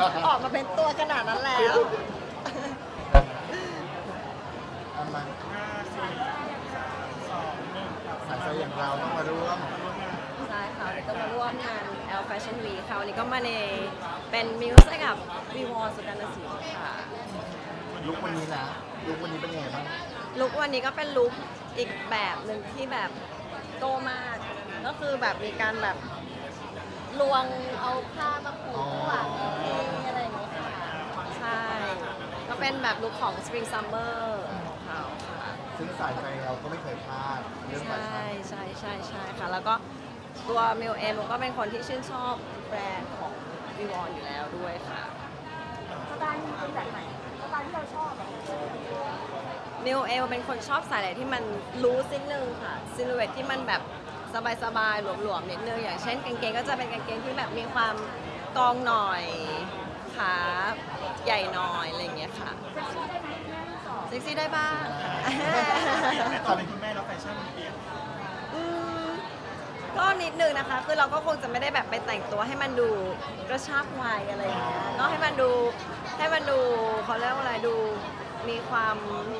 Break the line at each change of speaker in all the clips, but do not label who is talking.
ออกมาเป็นตัวขนาดนั้นแล้ว
เอามาสายใจอย่างเราต้องมาร่วม
ใช่ค่ะวันนี้ก็มาร่วมงาน L Fashion Week ค่ะวันนี้ก็มาในเป็นมิวส์ให้กับวีวอสุการศิลป์ค่ะ
ลุกวันนี้นะลุกวันนี้เป็นยังไงบ้าง
ลุควันนี้ก็เป็นลุคอีกแบบหนึ่งที่แบบโตมาก ก็คือแบบมีการแบบลวงเอาผ้ามาผูกข้างหลังอะไรอย่างเงี้ยค่ะใช่ ก็เป็นแบบลุคของ Spring Summer ของเขาค่ะ
ซึ่งสายใจเราก็ไม่เคยพลาดเรื่องแฟ
ใช่
ชั่น
ใช่ค่ะ แล้วก็ตัวมิวเองก็เป็นคนที่ชื่นชอบแบรนด์ของวีวอนอยู่แล้วด้วยค่ะ
สไตล์เป็นแบบไหนสไตล์ที่เราชอบอะ
มิวเอลเป็นคนชอบใส่อะไรที่มันรู้นิดนึงค่ะซิลูเอตที่มันแบบสบายๆหลวมๆนิดนึงอย่างเช่นกางเกงก็จะเป็นกางเกงที่แบบมีความกองหน่อยขาใหญ่หน่อยอะไรอย่างเงี้ยค่ะ
เซ็กซี่ได้ไหมแม่ทั้งสอง
เซ็กซี่ได้บ้าง
ตอนเป็นคุณแม่แล้วแฟชั่นมันเปลี่ยน
อืมก็นิดนึงนะคะ คือเราก็คงจะไม่ได้แบบไปแต่งตัวให้มันดูกระชากวัยอะไรอย่างเงี้ยก็ให้มันดูเขาเรียกว่าอะไรดูมีความ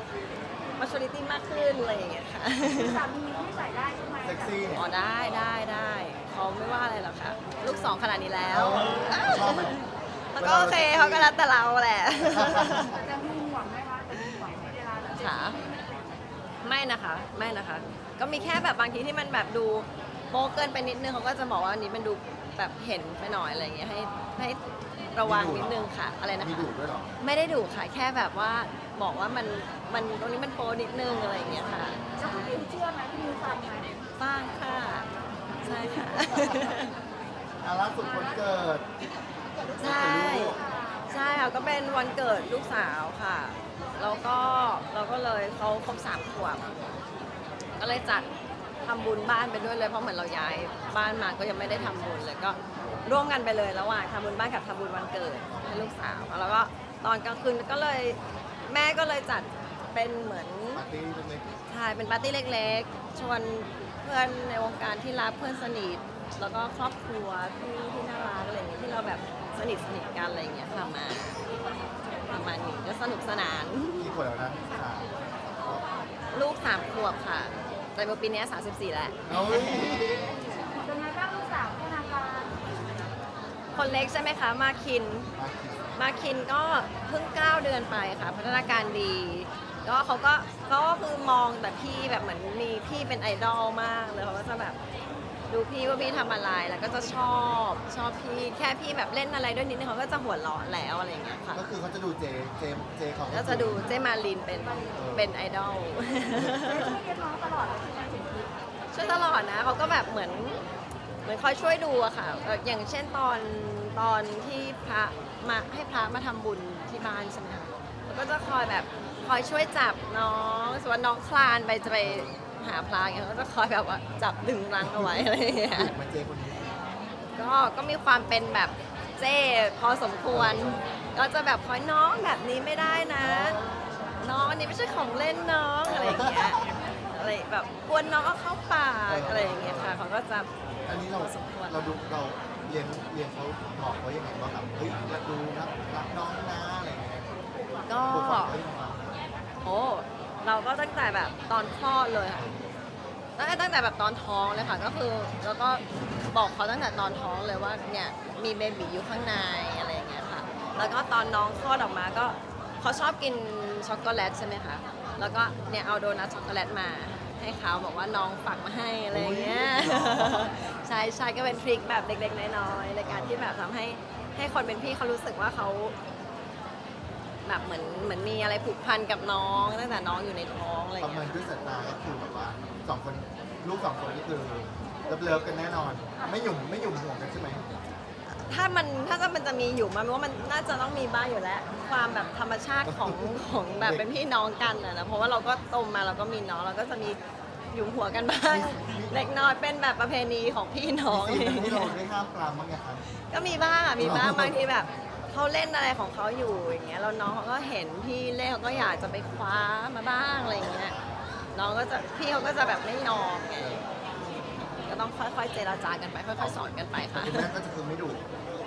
maturity มากขึ้นอะไรอย่างเงี้ยค่ะ
สามีที่ใส่ได้ใช่ไหม
เซ็กซี่เนี่ย
อ๋อได้เขาไม่ว่าอะไรหรอกค่ะ ลูกสองขนาดนี้แล้ว
ชอบไหม
แล้วก็โอเคเขาก็รักแต่เราแหละ
จะมีห่วงไหมคะจะมีห่วงไหมเวลาเรา
ค่ะไม่นะคะ ก็มีแค่แบบบางทีที่มันแบบดูโป๊เกินไปนิดนึงเขาก็จะบอกว่าอันนี้มันดูแบบเห็นไปหน่อยอะไรอย่างเงี้ยให้ระวังนิดนึงค่ะอะไรนะ
มี
คะ
ดุด้วยเหรอ
ไม่ได้ดุค่ะ แค่แบบว่าบอกว่ามันตรงนี้มันโป๊นิดนึงอะไรอย่างเงี้ยค่ะ
แล้วพี่มิวเชื่อไหมพี่มิวฟังไหม
บ้างค่ะใช่ค่ะ
ล่าสุดวันเกิด
ใช่ค่ะก็เป็นวันเกิดลูกสาวค่ะแล้วก็เราก็เลยเขาครบ3 ขวบก็เลยจัดทำบุญบ้านไปด้วยเลยเพราะเหมือนเราย้ายบ้านมาก็ยังไม่ได้ทำบุญเลยก็ร่วมกันไปเลยระหว่างทำบุญบ้านกับทำบุญวันเกิดให้ลูกสาวแล้วก็ตอนกลางคืนก็เลยแม่ก็เลยจัดเป็นเหมือน
ปาร์ตี้เล็ก
ใช่เป็นปาร์ตี้เล็กๆชวนเพื่อนในวงการที่รักเพื่อนสนิทแล้วก็ครอบครัวที่น่ารักอะไรอย่างเงี้ยที่เราแบบสนิทกันอะไรอย่างเงี้ยค่ะมาประมาณนี้ก็สนุกสนาน
ๆกี่ขวบแล้วนะสาม
ลูก3 ขวบค่ะ แต่เมื่อปีนี้34แล้ว
เฮ้ย
เป็นไงบ้างลูกสาวพัฒนาการ
คนเล็กใช่ไหมคะ มาคินก็เพิ่ง9 เดือนไปค่ะ พัฒนาการดีก็เขาก็คือมองแต่พี่แบบเหมือนมีพี่เป็นไอดอลมากเลยเขาก็จะแบบดูพี่ว่าพี่ทำอะไรแล้วก็จะชอบพี่แค่พี่แบบเล่นอะไรด้วยนิดนึงเขาก็จะหัวเราะแล้วอะไรอย่างเงี้ยค่ะ
ก็คือเขาจะดูเจของ
ก็จะดูเจมาลินเป็นไอดอล
ช่วยเลี้ยงน้องตลอดเลยใช่ไหมถึงคิด
ช่วยตลอดนะเขาก็แบบเหมือนคอยช่วยดูอะค่ะอย่างเช่นตอนที่พระมาให้พระมาทำบุญที่บ้านใช่ไหมคะแล้วก็จะคอยแบบคอยช่วยจับน้องสมมติว่าน้องคลานไปจะไปหาพระอย่างเงี้ยก็จะคอยแบบว่าจับดึงรั้งเอาไว้อะไรอย่างเงี้ย
มาเจคนนี้
ก็มีความเป็นแบบเจ้พอสมควร ก็จะแบบคอยน้องแบบนี้ไม่ได้นะ น้องอันนี้ไม่ใช่ของเล่นน้องอะไรอย่างเงี้ยอะไรแบบกวนน้องเอาเข้าปากอะไรอย่างเงี้ยค่ะเขาก็จะ
อันนี้เราเราเรียนเขาบอกเขายังไงบ้างครับเฮ้ยรักน้องนะอะไรอย่างเงี้ย
ก็
ปลูกฝังเขายังไงบ้าง
โอ้เราก็ตั้งแต่แบบตอนคลอดเลยค่ะตั้งแต่แบบตอนท้องเลยค่ะก็คือแล้วก็บอกเขาตั้งแต่ตอนท้องเลยว่าเนี่ยมีเบบีอยู่ข้างในอะไรอย่างเงี้ยค่ะแล้วก็ตอนน้องคลอดออกมาก็เขาชอบกินช็อกโกแลตใช่ไหมคะแล้วก็เนี่ยเอาโดนัทช็อกโกแลตมาให้เขาบอกว่าน้องฝากมาให้อะไรอย่างเงี้ย ใช่ก็เป็นทริคแบบเล็กๆน้อยๆในการที่แบบทำให้คนเป็นพี่เขารู้สึกว่าเขาแบบเหมือนมีอะไรผูกพันกับน้องตั้งแต่น้องอยู่ในท้องอะไรอ
ประ
ย่าง
เมิ
เงี้
น
ย
ด้วยสายตาก็คือแบบว่าลูกสองคนนี่คือเลิฟกันแน่นอน ไม่หยุ่มห่วงกันใช่ไหม
ถ้ามันจะมีอยู่มันว่ามันน่าจะต้องมีบ้างอยู่แล้ว ความแบบธรรมชาติของแบบเป็นพี่น้องกันนะเพราะว่าเราก็โตมาเราก็มีน้องเราก็จะมีหยุมหัวกันบ้างเล็กน้อยเป็นแบบประเพณีของพี่น้อง
มีซีนที่เราได้ห้ามปรามบ้างไงครับ
ก็มีบ้างอ่ะมีบ้างบางทีแบบเขาเล่นอะไรของเขาอยู่อย่างเงี้ยแล้วน้องเขาก็เห็นพี่เล่นเขาก็อยากจะไปคว้ามาบ้างอะไรอย่างเงี้ยน้องก็จะพี่เขาก็จะแบบไม่ยอมไงก็ต้องค่อยๆเจรจากันไปค่อยๆสอนกันไปค่ะ
คุณแม่ก็จะคือไม่ดุ
ก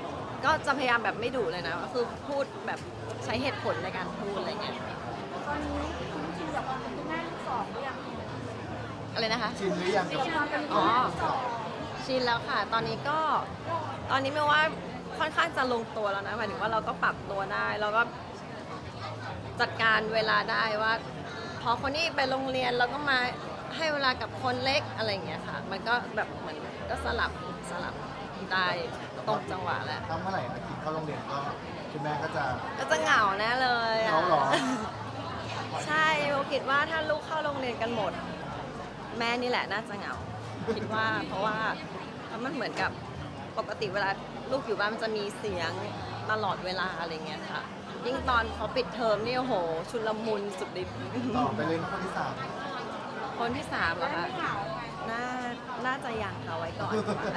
ก็จะพยายามแบบไม่ดุเลยนะก็คือพูดแบบใช้เหตุผลในการพูดอะไรเงี้ย
ตอนนี้คุณชินกับความเป็นคุณแม่ลูกสองหรือยัง
อะไรนะคะ
ชินหรือยัง
ชิน
กับ
กับความเป็น
อ๋
คุณ
อ
แม่ลูกสอง
ชินแล้วค่ะ ตอนนี้ไม่ว่าค่อนข้างจะลงตัวแล้วนะหมายถึงว่าเราก็ปรับตัวได้แล้วก็จัดการเวลาได้ว่า พอคนนี้ไปโรงเรียนเราก็มาให้เวลากับคนเล็กอะไรอย่างเงี้ยค่ะ มันก็แบบเหมือนก็สลับได้ตรงจังหวะแหละ
ถ้าเมื่อไหร่อาทิตย์เข้าโรงเรียนก็คุณแม่ก็จะ
ก็จะเหงาแน่เลยอะ
เหงาเหรอ
ใช่โบคิดว่าถ้าลูกเข้าโรงเรียนกันหมด แม่นี่แหละน่าจะเหงา คิดว่าเพราะว่ามันเหมือนกับปกติเวลาลูกอยู่บ้านมันจะมีเสียงตลอดเวลาอะไรเงี้ยค่ะ ยิ่งตอนเขาปิดเทอมนี่โอ้โห ชุลมุนสุดฤทธิ์
ต่อไปเลยนะคนที่สาม
คนที่3เหรอคะ
ไม่เหงาไง
น่าจะยังค่ะไว้ก่อน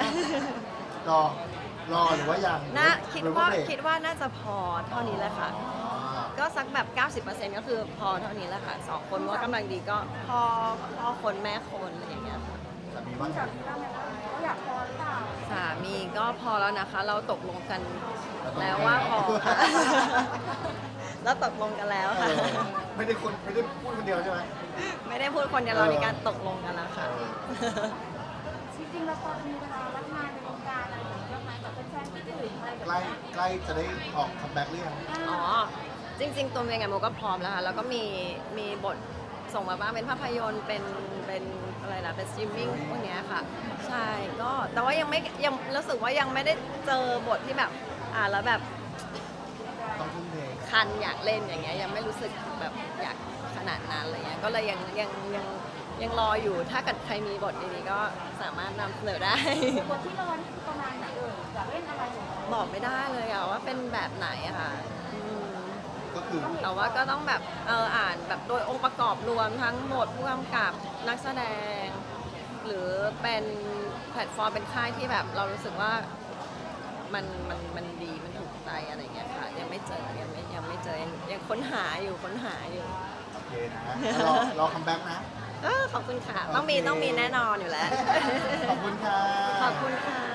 รอหรือว่ายัง
คิด
หรือ
ว่า
เบรก
คิดว่าน่าจะพอเท่านี้แหละค่ะ
อ๋อ
ก็สักแบบ 90%ก็คือพอเท่านี้แหละค่ะ2คนว่ากำลังดีก็พ่อคนแม่คนอะไรอย่างเงี้ยค่ะ
สามีว่าไง
จากที่เราเนี่ยเขาอยากพอหรือเปล่า
สามีก็พอแล้วนะคะ เราตกลงกันแล้วว่าพอค่ะ เราตกลงกันแล้ว
เอ
ค่ะ
อไม่ได้พูดคนเดียวใช่ไหม
ไม่ได้พูดคนเดียวเรามีการตกลงกันแล้วค่ะ
จริงๆเราพอจะมีเวลารับงานในวงการอะไรอย่างเงี้ยไหมแบบเป็นแฟนที่อื่นอะไรแบบ
ใกล้
เนี้ย
ใกล้จะได้ออกคัมแบ็กหรือยัง
อ๋อ จริง ๆ ตัวเองโมก็พร้อมแล้วค่ะ แล้วก็มีบทส่งมาบ้างเป็นภาพยนตร์เป็นอะไรนะเป็นสตรีมมิ่งพวกเนี้ยค่ะ ใช่ก็แต่ว่ายังรู้สึกว่ายังไม่ได้เจอบทที่แบบแล้วแบบ
ต้องทุ่มเท
คันอยากเล่นอย่างเงี้ยยังไม่รู้สึกแบบอยากขนาดนั้นอะไรเงี้ยก็เลยยังรออยู่ถ้าเกิดใครมีบทดีๆก็สามารถนำเสนอได้
บทที่เรานี่คือประมาณไหนอยากเล่นอะไรอย่างเงี้ย
บอกไม่ได้เลยอะว่าเป็นแบบไหนอะค่ะอืม
ก็คือ
แต่ว่าก็ต้องแบบอ่านแบบโดยองค์ประกอบรวมทั้งหมดผู้กำกับนักแสดง หรือเป็นแพลตฟอร์มเป็นค่ายที่แบบเรารู้สึกว่ามันดีมันถูกใจอะไรเงี้ยค่ะยังไม่เจอยังไม่เจอยังค้นหาอยู่
โอเคนะรอคัมแบ็กนะ
ขอบคุณค่ะ
โอเค
ต้องมีแน่นอนอยู่แล้ว
ขอบคุณค่ะ
ขอบคุณค่ะ